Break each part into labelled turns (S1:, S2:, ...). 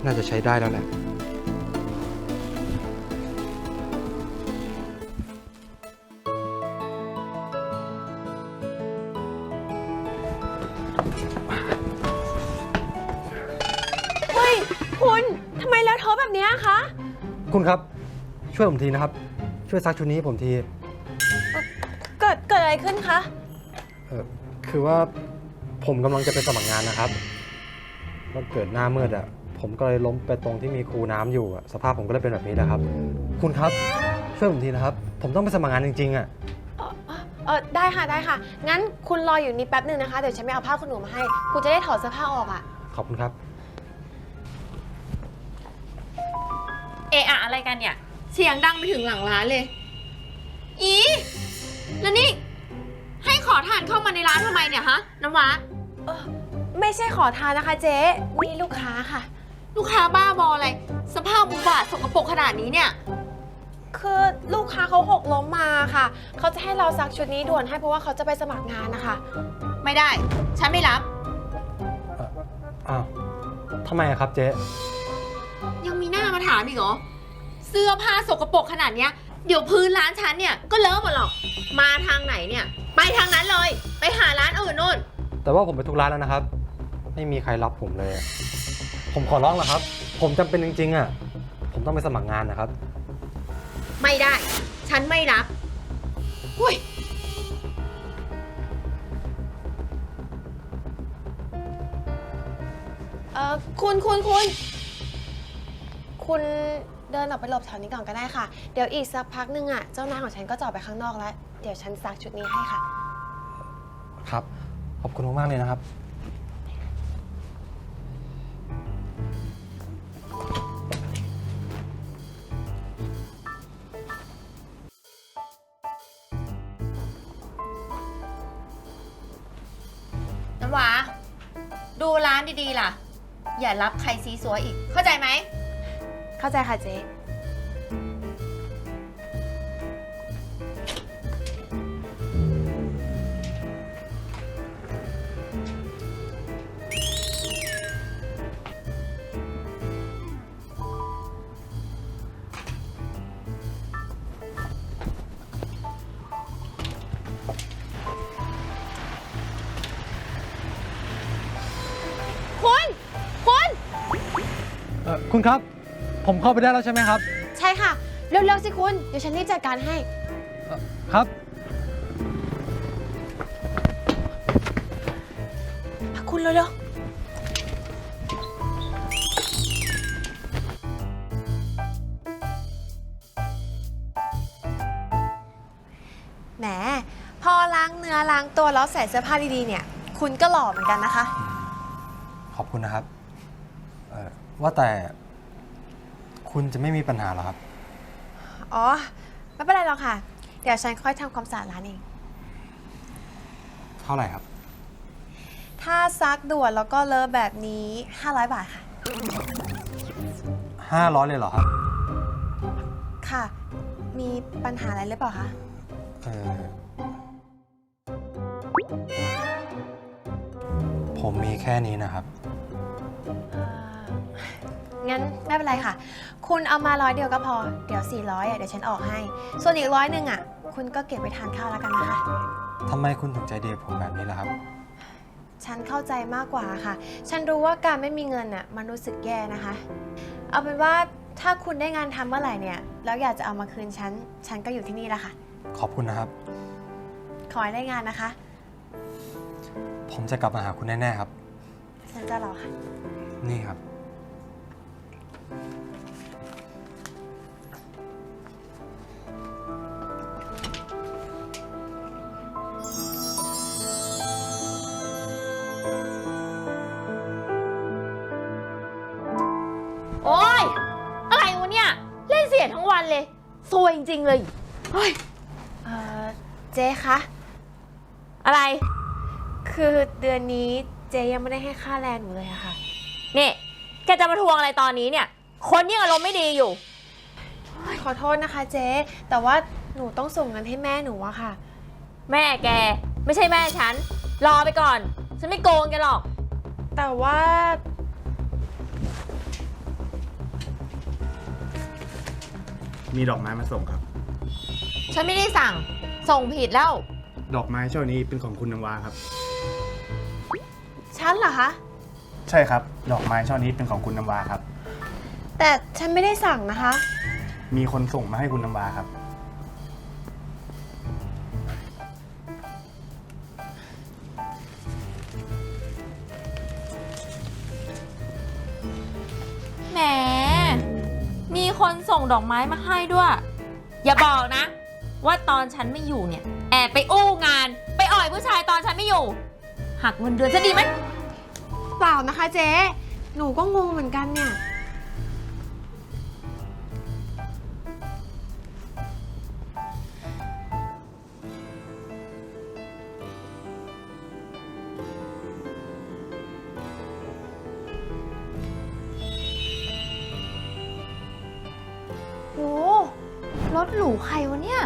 S1: น่าจะใช้ได้แล้วแหละ
S2: เฮ้ยคุณทำไมเลอะเทอะแบบนี้คะ
S1: คุณครับช่วยผมทีนะครับช่วยซักชุดนี้ให้ผมที
S2: เกิดอะไรขึ้นคะ
S1: คือว่าผมกำลังจะไปสมัครงานนะครับแล้วเกิดหน้ามืดผมก็เลยล้มไปตรงที่มีคูน้ำอยู่สภาพผมก็เลยเป็นแบบนี้นะครับคุณครับช่วยผมทีนะครับผมต้องไปสมัครงานจริงๆ
S2: ได้ค่ะได้ค่ะ งั้นคุณรออยู่นี่แป๊บหนึ่งนะคะ เดี๋ยวฉันไปเอาผ้าคุณหนูมาให้ คุณจะได้ถอดเสื้อผ้าออก
S1: ขอบคุณครับ
S3: อะอะไรกันเนี่ยเสียงดังไปถึงหลังร้านเลยแล้วนี่ให้ขอทานเข้ามาในร้านทำไมเนี่ยฮะน้ำว้า
S2: ไม่ใช่ขอทานนะคะเจ๊นี่ลูกค้าค่ะ
S3: ลูกค้าบ้าบออะไรสภาพอุบาทสกปรกขนาดนี้เนี่ย
S2: คือลูกค้าเขาหกล้มมาค่ะเขาจะให้เราซักชุดนี้ด่วนให้เพราะว่าเขาจะไปสมัครงานนะคะ
S3: ไม่ได้ฉันไม่รับ
S1: อ้าวทำไมครับเจ๊
S3: ยังมีหน้ามาถามอีกเหรอเสื้อผ้าสกปรกขนาดเนี้ยเดี๋ยวพื้นร้านฉันเนี่ยก็เลอะหมดหรอกมาทางไหนเนี่ยไปทางนั้นเลยไปหาร้านอื่นนู่น
S1: แต่ว่าผมไปทุกร้านแล้วนะครับไม่มีใครรับผมเลยผมขอร้องนะครับผมจำเป็นจริงๆผมต้องไปสมัครงานนะครับ
S3: ไม่ได้ฉันไม่รับหุ้ย
S2: คุณเดินออกไปหลบแถวนี้ก่อนก็ได้ค่ะเดี๋ยวอีกสักพักนึงเจ้านายของฉันก็จะออกไปข้างนอกแล้วเดี๋ยวฉันซักชุดนี้ให้ค่ะ
S1: ครับขอบคุณมากๆเลยนะครับ
S3: น้ำว้าดูร้านดีๆล่ะอย่ารับใครซีซัวอีกเข้าใจไหม
S2: เข้าใจค่ะเจ๊
S1: คุณครับผมเข้าไปได้แล้วใช่ไหมครับ
S2: ใช่ค่ะเร็วๆสิคุณเดี๋ยวฉันรีบจัดการให้
S1: ครับ
S2: คุณเร็วๆแหมพอล้างเนื้อล้างตัวแล้วใส่เสื้อผ้าดีๆเนี่ยคุณก็หล่อเหมือนกันนะคะ
S1: ขอบคุณนะครับว่าแต่คุณจะไม่มีปัญหาหรอครับ
S2: อ๋อไม่เป็นไรหรอกค่ะเดี๋ยวฉันค่อยทำความสะอาดร้านเอง
S1: เท่าไหร่ครับ
S2: ถ้าซักด่วนแล้วก็เลอะแบบนี้500 บาทค่ะ
S1: 500เลยเหรอครับ
S2: ค่ะมีปัญหาอะไรหรือเปล่าคะ
S1: ผมมีแค่นี้นะครับ
S2: งั้นไม่เป็นไรค่ะคุณเอามา100 เดียวก็พอเดี๋ยว400เดี๋ยวฉันออกให้ส่วนอีก100นึงคุณก็เก็บไปทานข้าวแล้วกันนะคะ
S1: ทำไมคุณถึงใจดีกับผมแบบนี้ล่ะครับ
S2: ฉันเข้าใจมากกว่าค่ะฉันรู้ว่าการไม่มีเงินมันรู้สึกแย่นะคะเอาเป็นว่าถ้าคุณได้งานทำเมื่อไหร่เนี่ยแล้วอยากจะเอามาคืนฉันก็อยู่ที่นี่แหละค่ะ
S1: ขอบคุณนะครับ
S2: ขอให้ได้งานนะคะ
S1: ผมจะกลับมาหาคุณแน่ๆครับ
S2: ฉันจะรอค่ะ
S1: นี่ครับ
S3: โอ๊ยอะไรวะเนี่ยเล่นเสียทั้งวันเลยซวยจริงๆเลยเฮ้ย
S2: เจ๊คะ
S3: อะไร
S2: คือเดือนนี้เจ๊ยังไม่ได้ให้ค่าแรงหนูเลยอะค่ะ
S3: นี่แกจะมาทวงอะไรตอนนี้เนี่ยคนยังอารมณ์ไม่ดีอยู่
S2: ขอโทษนะคะเจ๊แต่ว่าหนูต้องส่งเงินให้แม่หนูอะค่ะ
S3: แม่แกไม่ใช่แม่ฉันรอไปก่อนฉันไม่โกงแกหรอก
S2: แต่ว่า
S4: มีดอกไม้มาส่งครับ
S3: ฉันไม่ได้สั่ง ส่งผิดแล้ว
S4: ดอกไม้ช่อนี้เป็นของคุณน้ำว้าครับ
S2: ฉันเหรอคะ
S4: ใช่ครับ ดอกไม้ช่อนี้เป็นของคุณน้ำว้าครับ
S2: แต่ฉันไม่ได้สั่งนะคะ
S4: มีคนส่งมาให้คุณน้ำว้าครับ
S3: แหม มีคนส่งดอกไม้มาให้ด้วย อย่าบอกนะ ว่าตอนฉันไม่อยู่เนี่ย แอบไปอู้งาน ไปอ่อยผู้ชายตอนฉันไม่อยู่ หักเงินเดือนจะดีไหม
S2: เปล่านะคะเจ๊ หนูก็งงเหมือนกันเนี่ย โห รถหรูใครวะเนี่ย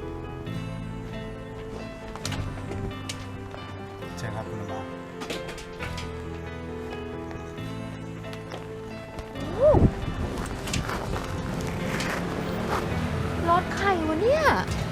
S4: ใช่ครับคุณน้ำว้า
S3: รถใครวะเนี่ย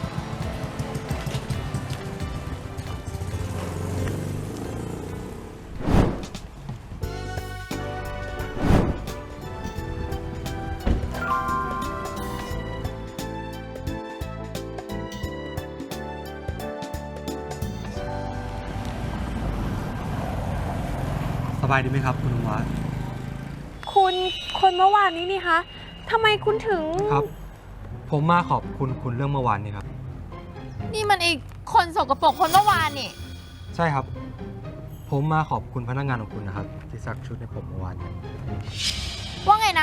S1: สบายดีไหมครับคุณน้ำว้า
S2: คุณคนเมื่อวานนี้นี่คะทำไมคุณถึง
S1: ครับ ผมมาขอบคุณคุณเรื่องเมื่อวานนี้ครับ
S3: นี่มันอีกคนสกปรกคนเมื่อวานนี่
S1: ใช่ครับ ผมมาขอบคุณพนักงานของคุณนะครับ ที่ซักชุดให้ผมเมื่อวานนี้
S3: ว่าไงนะ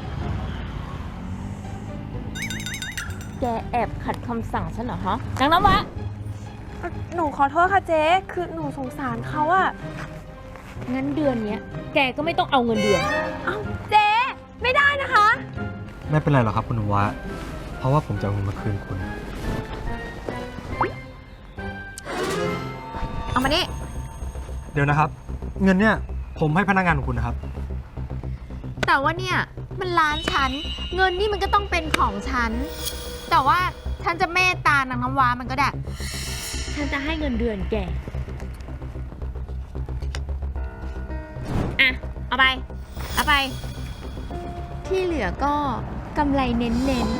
S3: แกแอบขัดคำสั่งฉันเหรอฮะนางน้ำวะ
S2: หนูขอโทษค่ะเจ๊ คือหนูสงสารเขาอะ
S3: งั้นเดือนเนี้ย แกก็ไม่ต้องเอาเงินเดือน
S2: เอ้าเจ๊ ไม่ได้นะคะ
S1: ไม่เป็นไรหรอกครับคุณน้ำว้าเพราะว่าผมจะเอาเงินมาคืนคุณ
S3: เอามานี่
S1: เดี๋ยวนะครับ เงินเนี่ยผมให้พนักงานของคุณนะครับ
S3: แต่ว่าเนี่ย มันร้านฉัน เงินนี่มันก็ต้องเป็นของฉัน แต่ว่าฉันจะเมตตานางน้ำว้ามันก็ได้ ฉันจะให้เงินเดือนแก อ่ะ เอาไป เอาไป ที่เหลือก็กำไรเน้น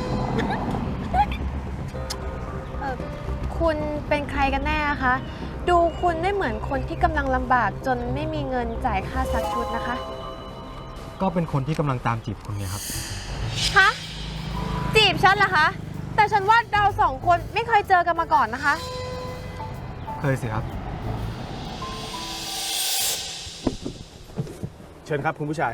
S2: คุณเป็นใครกันแน่คะ ดูคุณไม่เหมือนคนที่กำลังลำบากจนไม่มีเงินจ่ายค่าซักชุดนะคะ
S1: ก็เป็นคนที่กำลังตามจีบคุณไงครับ
S2: ฮะ จีบฉันเหรอคะ แต่ฉันว่าเราสองคนไม่เคยเจอกันมาก่อนนะคะ
S1: เคยสิครับ
S4: เชิญครับคุณผู้ชาย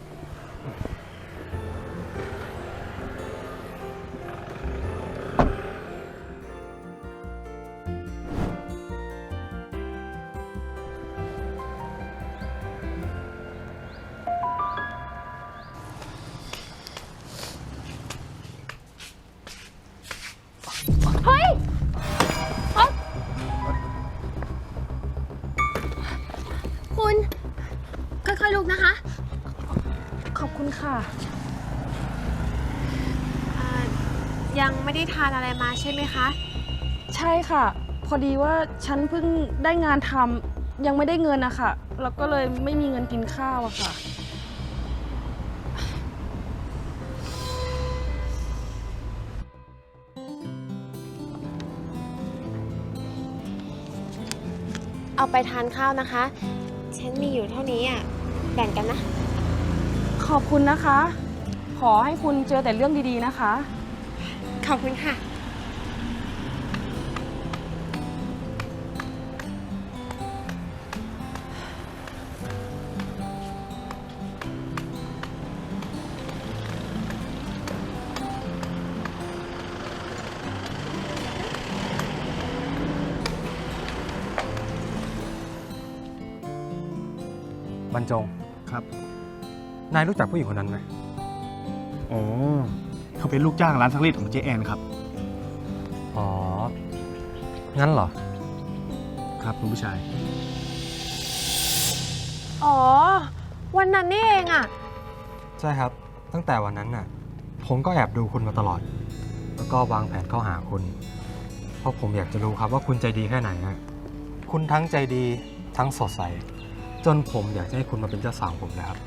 S3: ๆ เฮ้ย
S2: คุณ ค่อยๆลุกนะคะ ขอบคุณค่ะ ยังไม่ได้ทานอะไรมาใช่ไหมคะ
S5: ใช่ค่ะ พอดีว่าฉันเพิ่งได้งานทำยังไม่ได้เงินนะคะแล้วก็เลยไม่มีเงินกินข้าวอะค่ะ
S2: เอาไปทานข้าวนะคะ ฉันมีอยู่เท่านี้อ่ะ แบ่งกันนะ
S5: ขอบคุณนะคะ ขอให้คุณเจอแต่เรื่องดีๆนะคะ
S2: ขอบคุณค่ะ
S1: บรรจง
S4: ครับ
S1: นายรู้จักผู้หญิงคนนั้นไหม
S4: อ๋อ เขาเป็นลูกจ้างร้านซักรีดของเจ๊แอนครับ
S1: อ๋อ งั้นเหรอ
S4: ครับคุณผู้ชาย
S2: อ๋อ วันนั้นนี่เองอ่ะ
S1: ใช่ครับ ตั้งแต่วันนั้นน่ะ ผมก็แอบดูคุณมาตลอดแล้วก็วางแผนเข้าหาคุณ เพราะผมอยากจะรู้ครับว่าคุณใจดีแค่ไหนฮะคุณทั้งใจดีทั้งสดใส จนผมอยากจะให้คุณมาเป็นเจ้าสาวผมนะครับ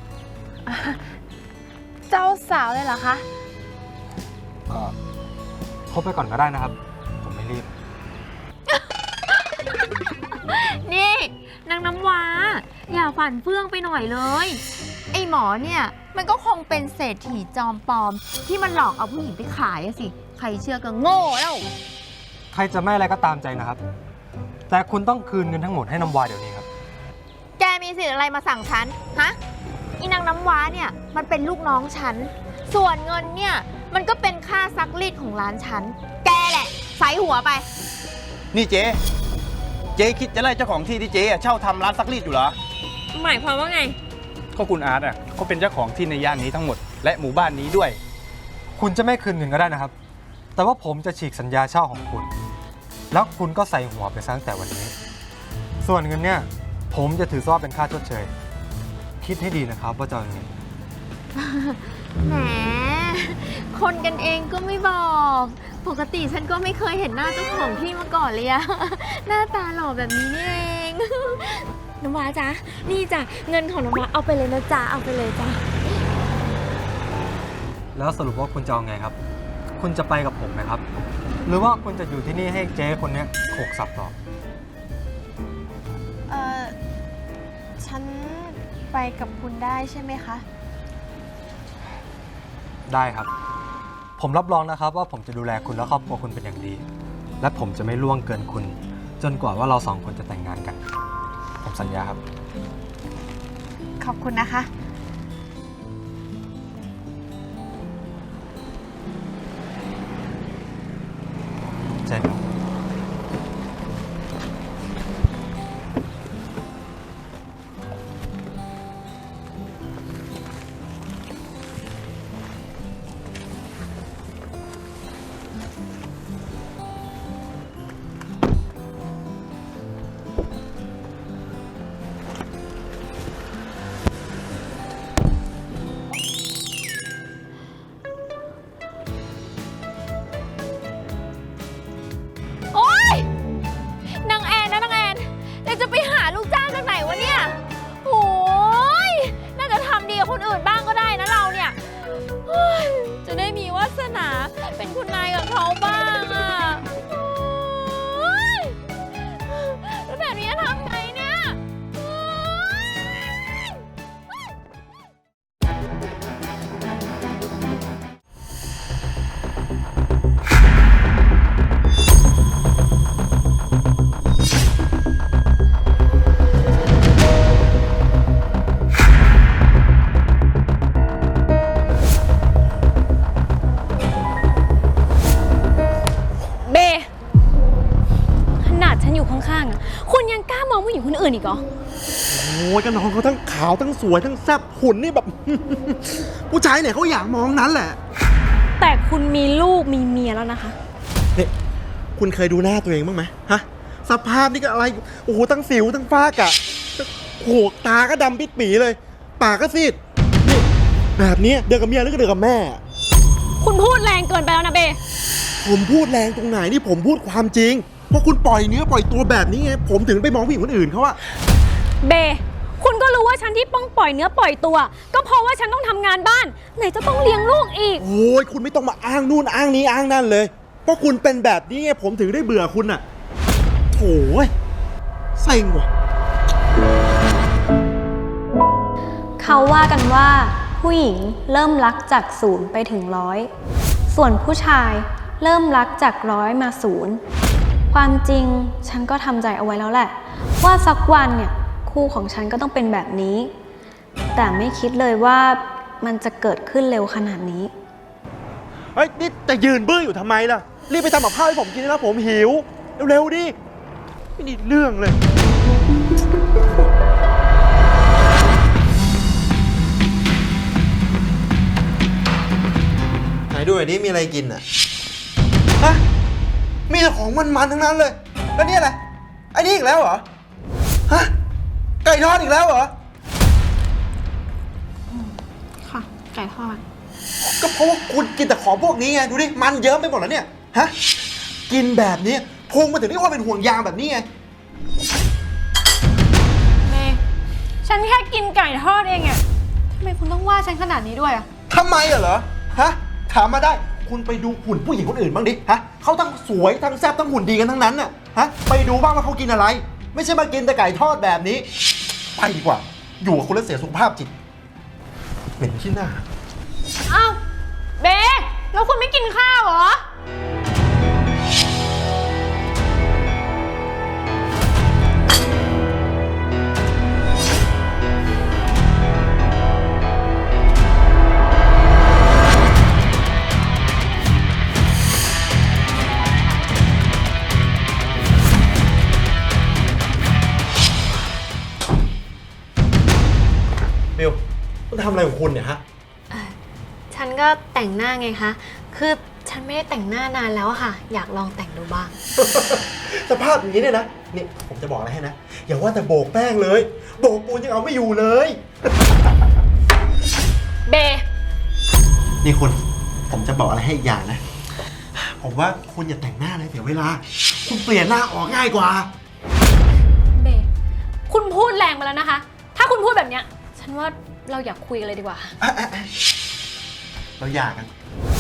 S2: เจ้าสาวเลยเหรอคะ
S1: ก็คบไปก่อนก็ได้นะครับ ผมไม่รีบ
S3: นี่นางน้ำว้า อย่าฝันเฟื่องไปหน่อยเลย ไอ้หมอเนี่ยมันก็คงเป็นเศรษฐีจอมปลอม ที่มันหลอกเอาผู้หญิงไปขายอะสิ ใครเชื่อก็โง่แล้ว
S1: ใครจะไม่อะไรก็ตามใจนะครับ แต่คุณต้องคืนเงินทั้งหมดให้น้ำวายเดี๋ยวนี้ครับ
S3: แกมีสิทธิ์อะไรมาสั่งฉัน ฮะ อีนางน้ำว้าเนี่ยมันเป็นลูกน้องฉัน ส่วนเงินเนี่ยมันก็เป็นค่าซักรีดของร้านฉัน แกแหละใส่หัวไป
S6: นี่เจ๊คิดจะไล่เจ้าของที่ที่เจ๊เช่าทำร้านซักรีดอยู่เหรอ
S3: หมายความว่าไง
S4: ก็คุณอาร์ตอ่ะเขาเป็นเจ้าของที่ในย่านนี้ทั้งหมด และหมู่บ้านนี้ด้วย
S1: คุณจะไม่คืนเงินก็ได้นะครับ แต่ว่าผมจะฉีกสัญญาเช่าของคุณ แล้วคุณก็ใส่หัวไปซะตั้งแต่วันนี้ ส่วนเงินเนี่ยผมจะถือซะว่าเป็นค่าชดเชย คิดให้ดีนะครับว่าจะเอายังไง
S3: แหม คนกันเองก็ไม่บอก ปกติฉันก็ไม่เคยเห็นหน้าเจ้าของที่มาก่อนเลยอะ หน้าตาหล่อแบบนี้นี่เอง น้ำว้าจ๊ะ นี่จ้ะ เงินของน้ำว้าเอาไปเลยนะจ๊ะ เอาไปเลยจ้ะ
S1: แล้วสรุปว่าคุณจะเอาไงครับ คุณจะไปกับผมไหมครับ หรือว่าคุณจะอยู่ที่นี่ให้เจ๊คนเนี้ยโขกสับต่อ
S2: ฉันไปกับคุณได้ใช่ไหมคะ
S1: ได้ครับ ผมรับรองนะครับว่าผมจะดูแลคุณและครอบครัวคุณเป็นอย่างดี และผมจะไม่ล่วงเกินคุณ จนกว่าว่าเราสองคนจะแต่งงานกัน ผมสัญญาครับ
S2: ขอบคุณนะคะ
S1: ใช่ครับ
S3: โอ๊ย นางแอนนะนางแอนเราจะไปหาลูกจ้างจากไหนวะเนี่ย โอ้ย น่าจะทำดีกับคนอื่นบ้างก็ได้นะเราเนี่ยเฮ้ยจะได้มีวาสนาเป็นคุณนายกับเขาบ้างอ่ะโอ๊ยแล้วแบบนี้จะทำไงเนี่ยโอ๊ย
S5: เบ ขนาดฉันอยู่ข้างๆอะคุณยังกล้ามองผู้หญิงคนอื่นอีกเหรอ
S6: โอ้ยกันน้องเขาทั้งขาวทั้งสวยทั้งแซ่บหุ่นนี่แบบ ผู้ชายเนี่ยเขาอยากมองนั้นแหละ
S5: แต่คุณมีลูกมีเมียแล้วนะคะ
S6: นี่คุณเคยดูหน้าตัวเองบ้างไหมฮะสภาพนี่ก็อะไรโอ้โหทั้งสิวทั้งฝ้ากะโขกตาก็ดำปิดปีเลย ปากก็ซีดนี่แบบนี้เดือกับเมียหรือก็เดือกับแม่
S5: คุณพูดแรงเกินไปแล้วนะเบ
S6: ผมพูดแรงตรงไหนนี่ผมพูดความจริงเพราะคุณปล่อยเนื้อปล่อยตัวแบบนี้ไงผมถึงไปมองผู้หญิงคนอื่นเขาอะ
S5: เบ คุณก็รู้ว่าฉันที่ต้องปล่อยเนื้อปล่อยตัว ก็เพราะว่าฉันต้องทำงานบ้าน ไหนจะต้องเลี้ยงลูกอีก
S6: โอ้ยคุณไม่ต้องมาอ้างนู่นอ้างนี้อ้างนั่นเลย เพราะคุณเป็นแบบนี้ไงผมถึงได้เบื่อคุณอะโถ่ยเซ็งว่ะ
S7: เขาว่ากันว่าผู้หญิงเริ่มรักจาก0ไปถึง100ส่วนผู้ชายเริ่มรักจาก100มา0ความจริงฉันก็ทำใจเอาไว้แล้วแหละ ว่าสักวันเนี่ยคู่ของฉันก็ต้องเป็นแบบนี้ แต่ไม่คิดเลยว่ามันจะเกิดขึ้นเร็วขนาดนี้
S6: เฮ้ยนี่จะยืนบื้ออยู่ทำไมล่ะ รีบไปทำกับข้าวให้ผมกินนะผมหิว เร็วๆดิไม่ได้เรื่องเลย ไหนดูหน่อยดิมีอะไรกินอ่ะ ฮะ มีแต่ของมันๆทั้งนั้นเลย แล้วนี่อะไรไอ้นี่อีกแล้วเหรอ ฮะ ไก่ทอดอีกแล้วเหรอ
S5: ค่ะ ไก่ทอด
S6: ก็เพราะว่าคุณกินแต่ของพวกนี้ไง ดูดิ มันเยิ้มไปหมดแล้วเนี่ย ฮะ กินแบบนี้พุงมาถึงได้ว่าเป็นห่วงยางแบบนี้ไง
S7: เมย์ฉันแค่กินไก่ทอดเองอะทำไมคุณต้องว่าฉันขนาดนี้ด้วยอะ
S6: ทำไมเหรอ ฮะ ถามมาได้ คุณไปดูหุ่นผู้หญิงคนอื่นบ้างดิ ฮะ เขาทั้งสวยทั้งแซ่บทั้งหุ่นดีกันทั้งนั้นน่ะ ฮะ ไปดูบ้างว่าเขากินอะไร ไม่ใช่มากินแต่ไก่ทอดแบบนี้ ไปดีกว่า อยู่กับคุณแล้วเสียสุขภาพจิต เหม็นขี้หน้า
S7: อ้าวเบแล้วคุณไม่กินข้าวเหรอ
S6: บิวคุณทำอะไรของคุณเนี่ยฮะ
S7: ฉันก็แต่งหน้าไงคะ คือฉันไม่ได้แต่งหน้านานแล้วอะค่ะ อยากลองแต่งดูบ้าง
S6: สภาพอย่างนี้เนี่ยนะ นี่ผมจะบอกอะไรให้นะ อย่าว่าแต่โบกแป้งเลย โบกปูนยังเอาไม่อยู่เลย
S7: เบ
S6: นี่คุณ ผมจะบอกอะไรให้อีกอย่างนะ ผมว่าคุณอย่าแต่งหน้าเลยเสียเวลา คุณเปลี่ยนหน้าออกง่ายกว่า
S7: เบ คุณพูดแรงไปแล้วนะคะ ถ้าคุณพูดแบบเนี้ย ฉันว่าเราอยากคุยกันเลยดีกว่า
S6: เราหย่ากัน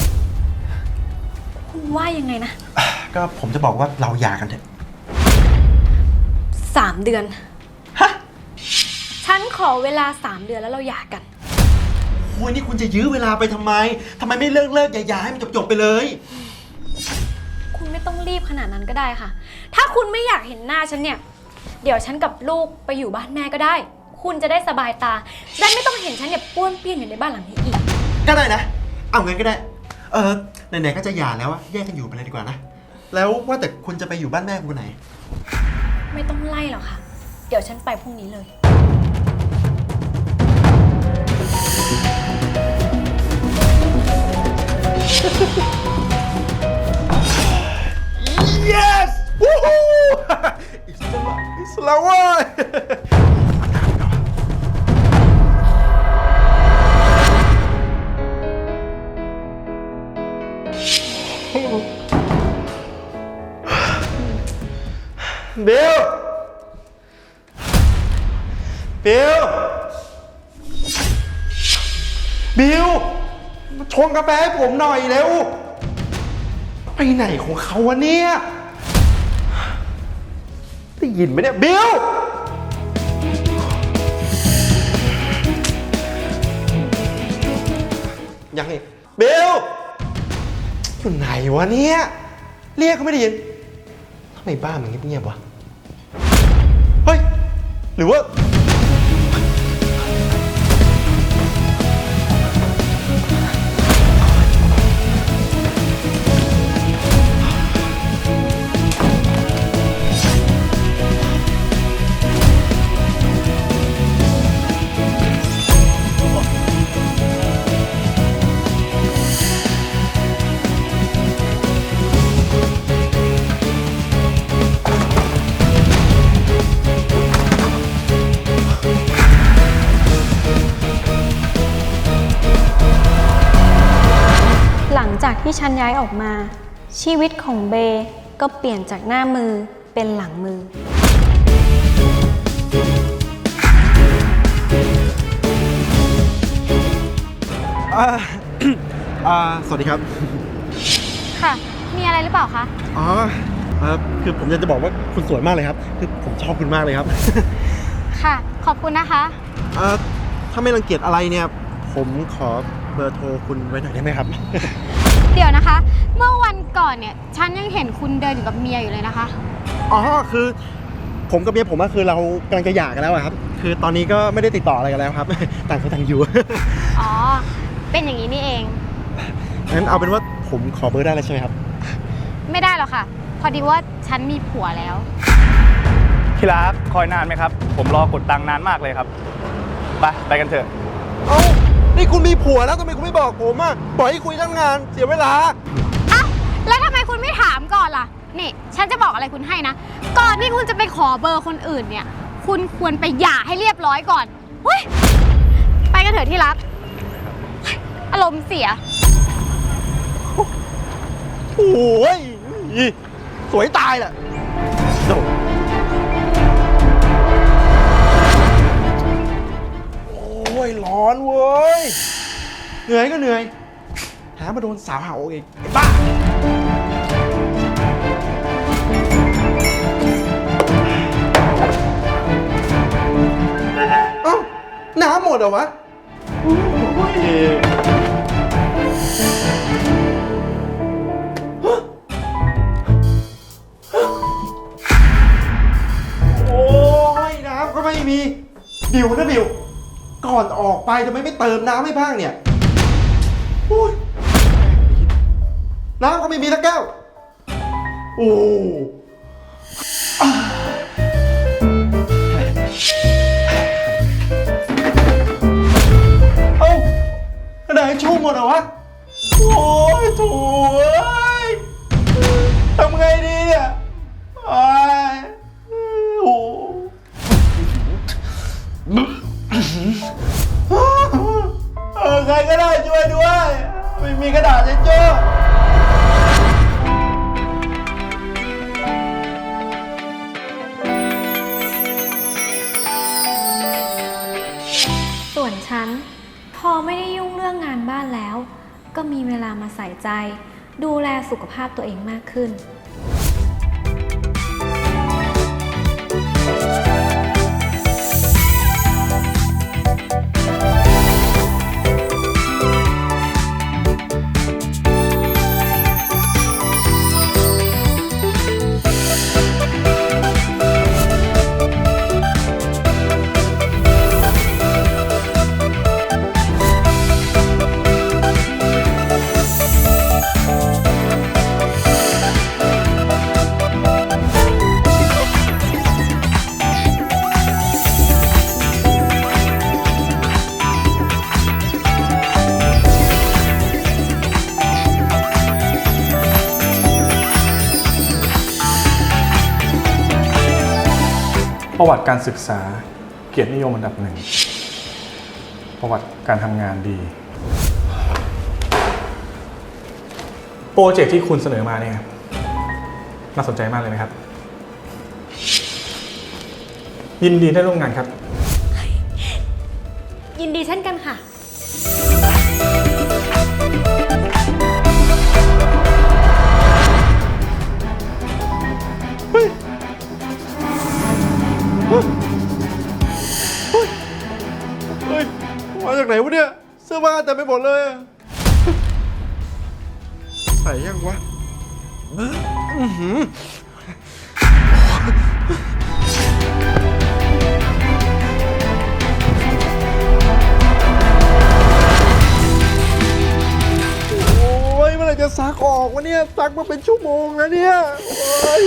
S7: คุณว่ายังไงนะ
S6: ก็ผมจะบอกว่าเราหย่ากันเถอะ
S7: 3 เดือน
S6: ฮะ
S7: ฉันขอเวลา 3 เดือนแล้วเราหย่ากัน
S6: โอ้ยนี่คุณจะยื้อเวลาไปทำไมไม่เลิกหย่าให้มันจบไปเลย
S7: คุณไม่ต้องรีบขนาดนั้นก็ได้ค่ะ ถ้าคุณไม่อยากเห็นหน้าฉันเนี่ย เดี๋ยวฉันกับลูกไปอยู่บ้านแม่ก็ได้ คุณจะได้สบายตาและไม่ต้องเห็นฉันเนี่ยป้วนเปี้ยนอยู่ในบ้านหลังนี้อีก
S6: ก็ได้นะ เอางั้นก็ได้ ไหนๆก็จะหย่าแล้วอะแยกกันอยู่ไปเลยดีกว่านะ แล้วว่าแต่คุณจะไปอยู่บ้านแม่คุณไหน
S7: ไม่ต้องไล่หรอกค่ะ เดี๋ยวฉันไปพรุ่งนี้เลย
S6: yes วู้ฮู้ อิสลามเว้ย บิล บิล มาชงกาแฟให้ผมหน่อยเร็ว ไปไหนของเขาวะเนี่ย ได้ยินไหมเนี่ย บิล ยังไงบิล อยู่ไหนวะเนี่ย เรียกก็ไม่ได้ยินทำไมบ้านมันเงียบๆวะ เฮ้ย หรือว่า
S7: หลังจากที่ฉันย้ายออกมา ชีวิตของเบก็เปลี่ยนจากหน้ามือเป็นหลังมือ
S6: สวัสดีครับ
S7: ค่ะ มีอะไรหรือเปล่าคะ
S6: อ๋อคือผมอยากจะบอกว่าคุณสวยมากเลยครับ คือผมชอบคุณมากเลยครับ
S7: ค่ะ ขอบคุณนะคะ
S6: ถ้าไม่รังเกียจอะไรเนี่ย ผมขอเบอร์โทรคุณไว้หน่อยได้ไหมครับ
S8: เดี๋ยวนะคะ เมื่อวันก่อนเนี่ย ฉันยังเห็นคุณเดินอยู่กับเมียอยู่เลยนะคะ
S6: อ๋อ คือผมกับเมียผมคือเรากำลังจะหย่ากันแล้วอะครับ คือตอนนี้ก็ไม่ได้ติดต่ออะไรกันแล้วครับ ต่างคนต่างอยู่
S8: อ๋อ เป็นอย่างนี้นี่เอง
S6: งั้นเอาเป็นว่าผมขอเบอร์ได้แล้วใช่ไหมครับ
S8: ไม่ได้หรอกค่ะ พอดีว่าฉันมีผัวแล้ว
S4: ที่รักคอยนานไหมครับ ผมรอกดตังค์นานมากเลยครับ ไปกันเถอะ
S6: เอ้า นี่คุณมีผัวแล้วทำไมคุณไม่บอกผมอะปล่อยให้คุยทั้งงานเสียเวลา
S8: อ้าว แล้วทำไมคุณไม่ถามก่อนล่ะ นี่ ฉันจะบอกอะไรคุณให้นะ ก่อนที่คุณจะไปขอเบอร์คนอื่นเนี่ย คุณควรไปหย่าให้เรียบร้อยก่อนเฮ้ย ไปกันเถอะที่รักอารมณ์เสีย
S6: โอ้ยสวยตายแหละโดดโอ้ยร้อนเว้ย เหนื่อยก็เหนื่อยแถมมาโดนสาวหาอกอีกไอ้บ้า เอ้า น้ำหมดเหรอวะโอ้ยโอ้ยน้ำก็ไม่มี บิวนะบิว ก่อนออกไปทำไมไม่เติมน้ำให้บ้างเนี่ยโอ้ยน้ำก็ไม่มีสักแก้ว โอ้เอ้ากระดาษชุ่มหมดเหรอวะ โอ้ยโถ่เอ้ยทำไงดีเนี่ยโอ้ยโอ้ใครก็ได้ช่วยด้วย ไม่มีกระดาษเช็ดโจ้
S7: ส่วนฉันพอไม่ได้ยุ่งเรื่องงานบ้านแล้ว ก็มีเวลามาใส่ใจ ดูแลสุขภาพตัวเองมากขึ้น
S4: ประวัติการศึกษาเกียรตินิยมอันดับหนึ่ง ประวัติการทำงานดี โปรเจกต์ที่คุณเสนอมาเนี่ยน่าสนใจมากเลยนะครับ ยินดีได้ร่วมงานครับ
S7: ยินดีเช่นกันค่ะ
S6: เฮ้ย มาจากไหนวะเนี่ย เสื้อผ้าแต่ไม่หมดเลยอะใส่ยังวะอื้อหือโอ้ยเมื่อไหร่จะซักออกวะเนี่ย ซักมาเป็นชั่วโมงแล้วเนี่ยโอ้ย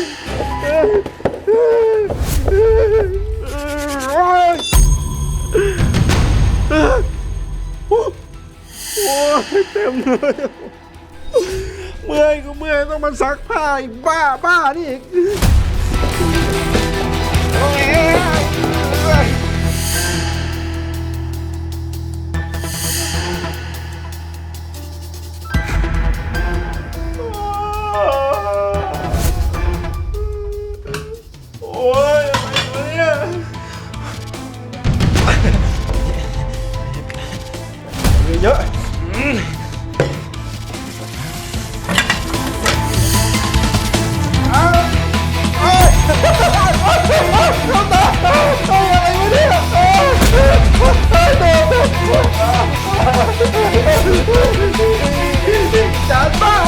S6: โอ้ยโอ้ยเต็มเลยเมื่อยก็เมื่อยต้องมาซักผ้าอีกบ้านี่อีกโอ้ยโอ้ยอะไรวะเนี่ยเยอะจานบ้า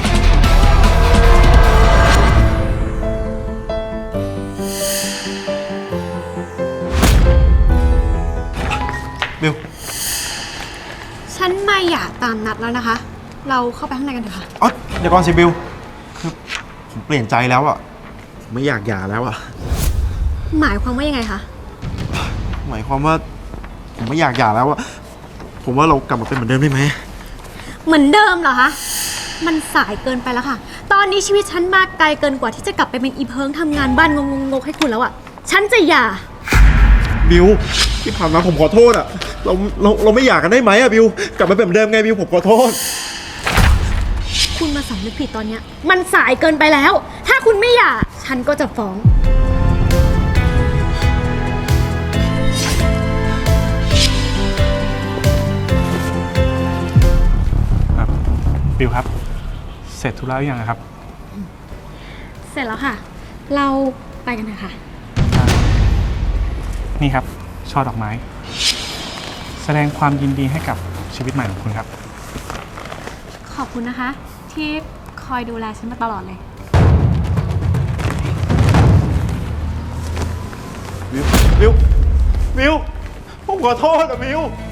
S6: บิว
S8: ฉันมาอยากตามนัดแล้วนะคะ เราเข้าไปข้างในกันเถอะค่ะ
S6: อ๋อเดี๋ยวก่อนสิบิวคือผมเปลี่ยนใจแล้วอ่ะผมไม่อยากหย่าแล้วอ่ะ
S8: หมายความว่ายังไงคะ
S6: หมายความว่าผมไม่อยากหย่าแล้วอ่ะผมว่าเรากลับมาเป็นเหมือนเดิมได้ไหม
S8: เหมือนเดิมเหรอคะ มันสายเกินไปแล้วค่ะ ตอนนี้ชีวิตฉันมาไกลเกินกว่าที่จะกลับไปเป็นอีเพิงทำงานบ้านงงๆให้คุณแล้วอะฉันจะหย่า
S6: บิบิวที่ผ่านมาผมขอโทษอะเราไม่อยากกันได้ไหมอะบิวกลับมาเป็นเหมือนเดิมไงบิวผมขอโทษ
S8: คุณมาสำนึกผิดตอนเนี้ยมันสายเกินไปแล้ว ถ้าคุณไม่หย่าฉันก็จะฟ้อง
S4: บิวครับ เสร็จธุระหรือยังครับ
S8: เสร็จแล้วค่ะ เราไปกันเถอะค่ะ
S4: นี่ครับ ช่อดอกไม้ แสดงความยินดีให้กับชีวิตใหม่ของคุณครับ
S8: ขอบคุณนะคะ ที่คอยดูแลฉันมาตลอดเลย
S6: บิวผมขอโทษอะบิว